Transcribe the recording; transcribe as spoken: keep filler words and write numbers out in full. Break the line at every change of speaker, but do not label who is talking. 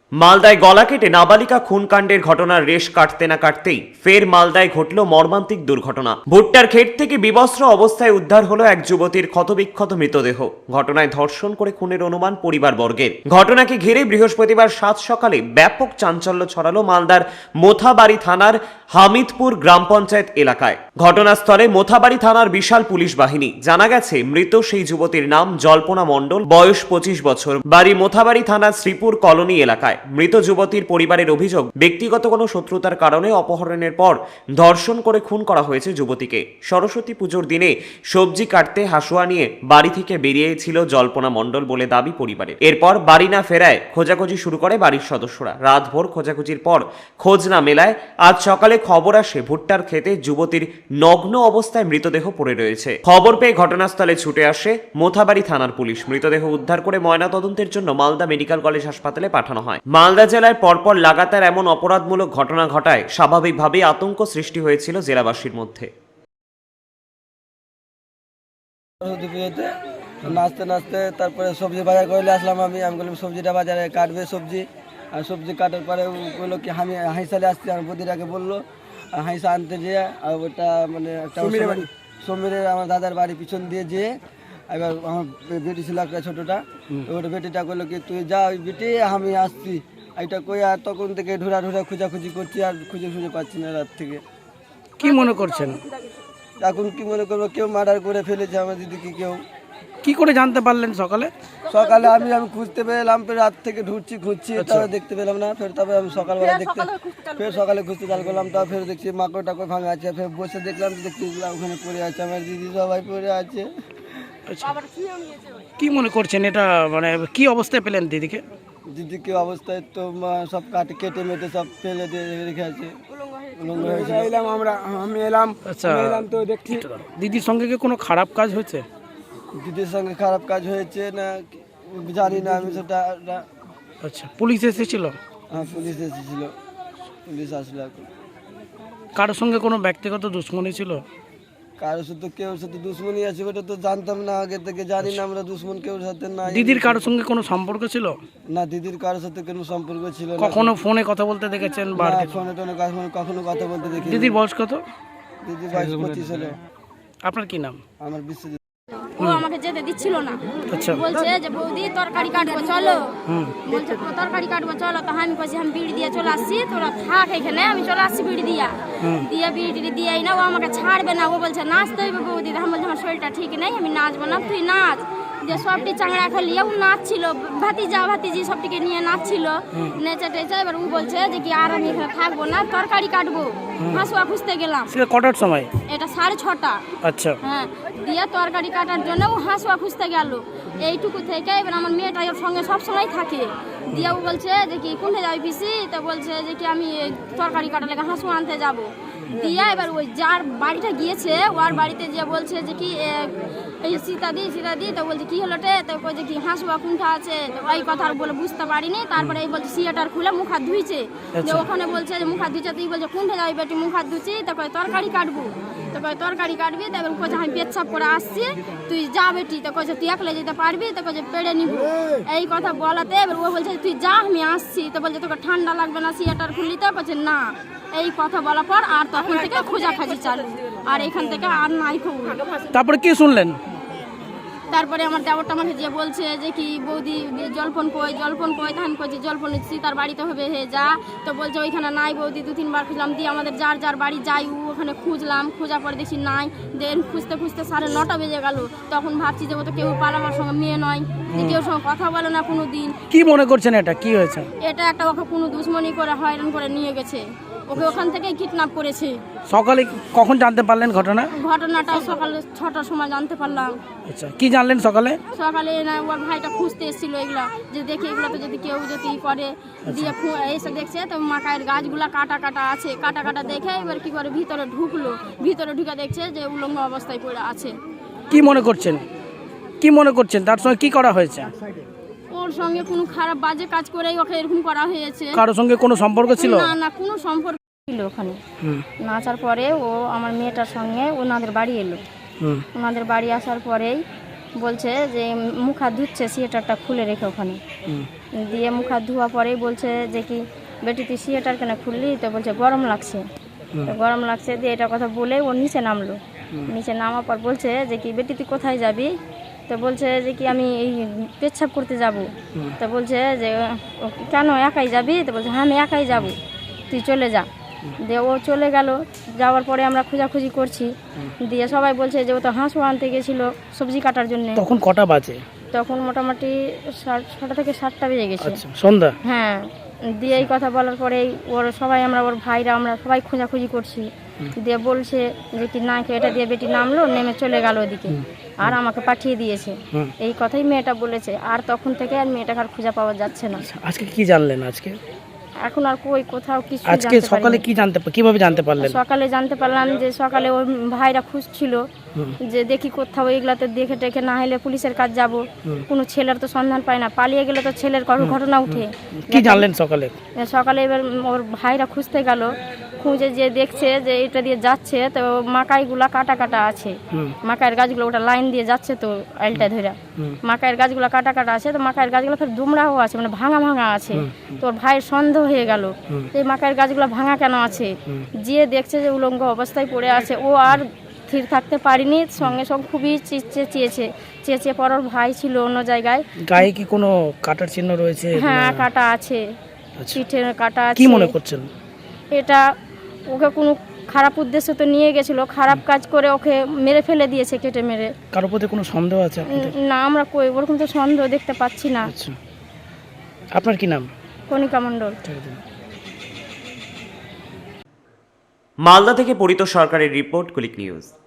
মালদায় গলা কেটে নাবালিকা খুনকাণ্ডের ঘটনার রেশ কাটতে না কাটতেই ফের মালদায় ঘটল মর্মান্তিক দুর্ঘটনা। ভুট্টার ক্ষেত থেকে বিবস্ত্র অবস্থায় উদ্ধার হলো এক যুবতীর ক্ষতবিক্ষত মৃতদেহ। ঘটনায় ধর্ষণ করে খুনের অনুমান পরিবারবর্গের। ঘটনাকে ঘিরে বৃহস্পতিবার সাত সকালে ব্যাপক চাঞ্চল্য ছড়ালো মালদার মোথাবাড়ি থানার হামিদপুর গ্রাম পঞ্চায়েত এলাকায়। ঘটনাস্থলে মোথাবাড়ি থানার বিশাল পুলিশ বাহিনী। জানা গেছে মৃত সেই যুবতীর নাম জল্পনা মণ্ডল, বয়স পঁচিশ বছর, বাড়ি মোথাবাড়ি থানার শ্রীপুর কলোনি এলাকায়। মৃত যুবতীর পরিবারের অভিযোগ, ব্যক্তিগত কোনো শত্রুতার কারণে অপহরণের পর ধর্ষণ করে খুন করা হয়েছে যুবতীকে। সরস্বতী পুজোর দিনে সবজি কাটতে হাসুয়া নিয়ে বাড়ি থেকে বেরিয়েছিল জল্পনা মণ্ডল বলে দাবি পরিবারের। এরপর বাড়ি না ফেরায় খোঁজাখুঁজি শুরু করে বাড়ির সদস্যরা। রাতভর খোঁজাখুঁজির পর খোঁজ না মেলায় আজ সকালে খবর আসে ভুট্টার ক্ষেতে যুবতীর নগ্ন অবস্থায় মৃতদেহ পড়ে রয়েছে। খবর পেয়ে ঘটনাস্থলে ছুটে আসে মোথাবাড়ি থানার পুলিশ। মৃতদেহ উদ্ধার করে ময়নাতদন্তের জন্য মালদা মেডিকেল কলেজ হাসপাতালে পাঠানো হয়। মালদা জেলায় পরপর লাগাতার এমন অপরাধমূলক ঘটনা ঘটায় স্বাভাবিকভাবেই আতঙ্ক সৃষ্টি হয়েছিল জেলাবাসীর মধ্যে।
নাচতে নাচতে তারপরে সবজি বাজার করলে আসলাম। আমি আমি বললাম সবজিটা বাজারে কাটবে সবজি। আর সবজি কাটার পরে বললো কি আমি হাইসালে আসছি। আমার বদিরাকে বললো হাইসা আনতে যেয়ে, আর ওটা মানে একটা সমীরের আমার দাদার বাড়ি পিছন দিয়ে যেয়ে, এবার আমার বেটি ছিল একটা ছোটোটা, ওটা বেটিটা করলো কি তুই যা ওই বেটি আমি আসছি এইটা কই। আর তখন থেকে ঢুরা ঢুরা খোঁজাখুঁজি করছি, আর খুঁজে খুঁজে পাচ্ছি না রাত থেকে।
কি মনে করছেন
এখন কি মনে করবো, কেউ মার্ডার করে ফেলেছে আমার দিদিকে। কেউ
কি করে জানতে পারলেন সকালে?
সকালে আমি আমি খুঁজতে পেলাম, ফের রাত থেকে ঢুকছি খুঁজছি, তারপরে দেখতে পেলাম না। ফের তারপরে আমি সকালবেলা দেখতে ফের সকালে খুঁজতে চাল করলাম, তারপর ফের দেখছি মাকড় টাকড় ভাঙা আছে। ফের বসে দেখলাম, দেখছি ওখানে পড়ে আছে আমার দিদি, সবাই পড়ে আছে।
কি মনে করছেন এটা, মানে কি অবস্থায় পেলেন দিদিকে?
দিদিকে অবস্থায় তো মা- সব কাটে কেটে মেটে সব ফেলে দিয়ে রেখে আছে, উলঙ্গ হয়েছে।
এলাম আমরা, আমি এলাম।
আচ্ছা,
আমি এলাম তো দেখছি
দিদির সঙ্গে কি কোনো খারাপ কাজ হয়েছে?
দিদির সঙ্গে খারাপ কাজ হয়েছে না জানি না আমি সেটা।
আচ্ছা, পুলিশ এসেছিল?
হ্যাঁ, পুলিশ এসেছিল, পুলিশ আসলো। এখন
কারোর সঙ্গে কোনো ব্যক্তিগত দুশ্মনী ছিল?
কারোর সাথে কেউ সাথে দুশ্মনী আছে ওটা তো জানতাম না আগে থেকে, জানি না আমরা দুশ্মন কেউ সাথে নাই।
দিদির কারোর সঙ্গে কোনো সম্পর্ক ছিল?
না, দিদির কারোর সাথে কোনো সম্পর্ক ছিল না।
কখনো ফোনে কথা বলতে দেখেছেন? বা
না, ফোনে টোনে কখনো কখনো কথা বলতে দেখি।
দিদির বয়স কত?
দিদির বয়স পঁচিশ হলো।
আপনার কি নাম?
আমার বিশ্বজিৎ।
ও আমাকে যেতে দিচ্ছিল না।
আচ্ছা,
বলছে যে বৌদি তরকারি কাটবো চলো। বলছে তরকারি কাটবো চলো, তো আমি কইছি আমি বিড়ি দিয়ে চলে আসছি, তোরা থাক এখানে, আমি চলে আসছি বিড়ি দিয়া দিয়ে বিড়ি টিড়ি দিয়েই না, ও আমাকে ছাড়বে না। ও বলছে নাচতে হইবে বৌদি। আমি বলছি আমার শরীরটা ঠিক নেই, আমি নাচবো না, তুই নাচ। যে সবটি চাংড়া খেলিয়ে ও নাচছিল, ভাতিজা ভাতিজি সবটিকে নিয়ে নাচছিল, নেচে টেচে। এবার ও বলছে যে কি আর আমি এখানে থাকবো না, তরকারি কাটবো। হাঁসুয়া খুঁজতে গেলাম,
সেটা কটার সময়?
এটা সাড়ে ছটা।
আচ্ছা,
হ্যাঁ, দিয়ে তরকারি কাটার জন্য ও হাঁসুয়া খুঁজতে গেল। এইটুকু থেকে এবার আমার মেয়েটা ওর সঙ্গে সবসময় থাকে। দিয়ে ও বলছে যে কি কোনটা যাবি পিসি, তো বলছে যে কি আমি তরকারি কাটার লেগে হাঁসু আনতে যাব। দিয়ে এবার ওই যার বাড়িটা গিয়েছে ওর বাড়িতে গিয়ে বলছে যে কি এই সীতাদি সীতাদি, তো বলছে কি হলো রে, তো বলছে কি হাঁসুয়া কোনটা আছে, তো ওই কথা আর বলে বুঝতে পারিনি। তারপরে এই বলছে সিয়াটার খুলে মুখ হাত ধুইছে। যে ওখানে বলছে যে মুখ হাত ধুইছে, তুই বলছে কোনটা যাবি বেটি, মুখ হাত ধুচ্ছি, তারপরে তরকারি কাটবো। তারপরে তরকারি কাটবি, তারপর কইছে আমি পেচ্ছাপ করে আসছি, তুই যা বেটি। তো কইছে তুই একলে যেতে পারবি, তো কইছে পেড়ে নিব। এই কথা বলাতে এবার ও বলছে তুই যা আমি আসছি। তো বলছে তোকে ঠান্ডা লাগবে না সিয়াটার খুললি, তো কইছে না। এই কথা বলার পর আর তখন থেকে খোঁজাখাজি চালু, আর এখান থেকে আর নাই খবর।
তারপরে কি শুনলেন?
তারপরে আমার দেবরটা আমাকে যে বলছে যে কি বৌদি জলপন কই জলপন কই, ধান কইছে জলপন তার বাড়িতে হবে হে যা। তো বলছে ওইখানে নাই বৌদি, দু তিনবার খুঁজলাম। দিয়ে আমাদের যার যার বাড়ি যাই ও ওখানে খুঁজলাম, খোঁজার পরে দেখি নাই। দেন খুঁজতে খুঁজতে সাড়ে নটা বেজে গেল। তখন ভাবছি যে ও তো কেউ পালামার সঙ্গে মেয়ে নয়, যে কেউ সঙ্গে কথা বলে না কোনো দিন।
কি মনে করছেন এটা কি হয়েছে?
এটা একটা ওকে কোনো দুশ্মনী করে হয়রান করে নিয়ে গেছে, ওকে ওখান থেকে কিডন্যাপ করেছে।
সকালে কখন জানতে পারলেন ঘটনা?
ঘটনাটা সকাল ছটার সময় জানতে পারলাম।
আচ্ছা, কি জানলেন সকালে?
সকালে না ওর ভাইটা খুঁজতে এসেছিল এগুলা, যে দেখে এগুলো তো যদি কেউ যদি করে। দিয়ে এসে দেখছে তো মাকায়ের গাছগুলা কাটা কাটা আছে, কাটা কাটা দেখে এবার কি করে ভিতরে ঢুকলো। ভিতরে ঢুকে দেখছে যে উলঙ্গ অবস্থায় পড়ে আছে।
কি মনে করছেন, কি মনে করছেন তার সঙ্গে কি করা হয়েছে?
ওর সঙ্গে কোনো খারাপ বাজে কাজ করেই ওকে এরকম করা হয়েছে।
কারোর সঙ্গে কোনো সম্পর্ক ছিল?
না না, কোনো সম্পর্ক ছিল ওখানে। নাচার পরে ও আমার মেয়েটার সঙ্গে ওনাদের বাড়ি এলো। ওনাদের বাড়ি আসার পরেই বলছে যে মুখ হাত ধুচ্ছে, সিয়েটারটা খুলে রেখে ওখানে। দিয়ে মুখ হাত ধোয়া পরেই বলছে যে কি বেটি তুই সিয়েটার কেন খুললি? তো বলছে গরম লাগছে। তো গরম লাগছে দিয়ে এটা কথা বলে ও নিচে নামলো। নিচে নামার পর বলছে যে কি বেটি তুই কোথায় যাবি? তো বলছে যে কি আমি এই পেচ্ছাপ করতে যাব। তো বলছে যে ও কেন একাই যাবি? তো বলছে হ্যাঁ আমি একাই যাব, তুই চলে যা। দিয়ে ও চলে গেল। যাওয়ার পরে আমরা খোঁজাখুঁজি করছি, দিয়ে সবাই বলছে যে ও তো হাঁসও আনতে গেছিলো সবজি কাটার জন্য।
তখন কটা বাজে?
তখন মোটামুটি সাত- ছটা থেকে সাতটা বেজে গেছে।
আচ্ছা, সন্ধ্যা।
হ্যাঁ, দিয়ে এই কথা বলার পরেই ওর সবাই আমরা ওর ভাইরা আমরা সবাই খোঁজাখুঁজি করছি। দিয়ে বলছে যে কি না এটা দিয়ে বেটি নামলো, নেমে চলে গেল ওদিকে, আর আমাকে পাঠিয়ে দিয়েছে।
হুম।
এই কথাই মেয়েটা বলেছে। আর তখন থেকে আর মেয়েটাকে আর খুঁজে পাওয়া যাচ্ছে না।
আজকে কি জানলেন? আজকে
এখন আর কই কোথাও কিছু
আজকে সকালে কি জানতে পা- কিভাবে জানতে পারলেন?
সকালে জানতে পারলাম যে সকালে ওর ভাইরা খুঁজছিল যে দেখি কোথাও এগুলাতে দেখে টেখে না হলে পুলিশের কাজ যাব। কোনো ছেলের তো সন্ধান পায় না, পালিয়ে গেলে তো ছেলের কোনো ঘটনা উঠে।
কি জানলেন সকালে?
সকালে এবার ওর ভাইরা খুঁজতে গেল, খুঁজে যে দেখছে যে এটা দিয়ে যাচ্ছে তো মাকাইগুলা কাটা কাটা আছে। মাকাইয়ের গাছগুলো ওটা লাইন দিয়ে যাচ্ছে তো আইলটা ধরে মাকাইয়ের গাছগুলো কাটা কাটা আছে। তো মাকাইয়ের গাছগুলো ফের দুমড়াও আছে, মানে ভাঙা ভাঙা আছে। তো ওর ভাইয়ের সন্দেহ হয়ে গেল এই মাকাইয়ের গাছগুলো ভাঙা কেন আছে। যে দেখছে যে উলঙ্গ অবস্থায় পড়ে আছে, ও আর স্থির থাকতে পারিনি, সঙ্গে সঙ্গে খুবই চেঁচিয়ে চেয়েছে চেঁচিয়ে পর ওর ভাই ছিল অন্য জায়গায়।
গায়ে কি কোনো কাটার চিহ্ন রয়েছে?
হ্যাঁ, কাটা আছে,
আচ্ছা।
পিঠে কাটা আছে।
কি মনে করছেন?
এটা ওকে কোনো খারাপ উদ্দেশ্য তো নিয়ে গেছিল, খারাপ কাজ করে ওকে মেরে ফেলে দিয়েছে, কেটে মেরে।
কারোর প্রতি কোনো সন্দেহ আছে আপনাদের?
না, আমরা কই ওরকম তো সন্দেহ দেখতে পাচ্ছি না।
আচ্ছা, আপনার কি নাম?
কণিকা মণ্ডল।
মালদা থেকে পরিত সরকারের রিপোর্ট, কুলিক নিউজ।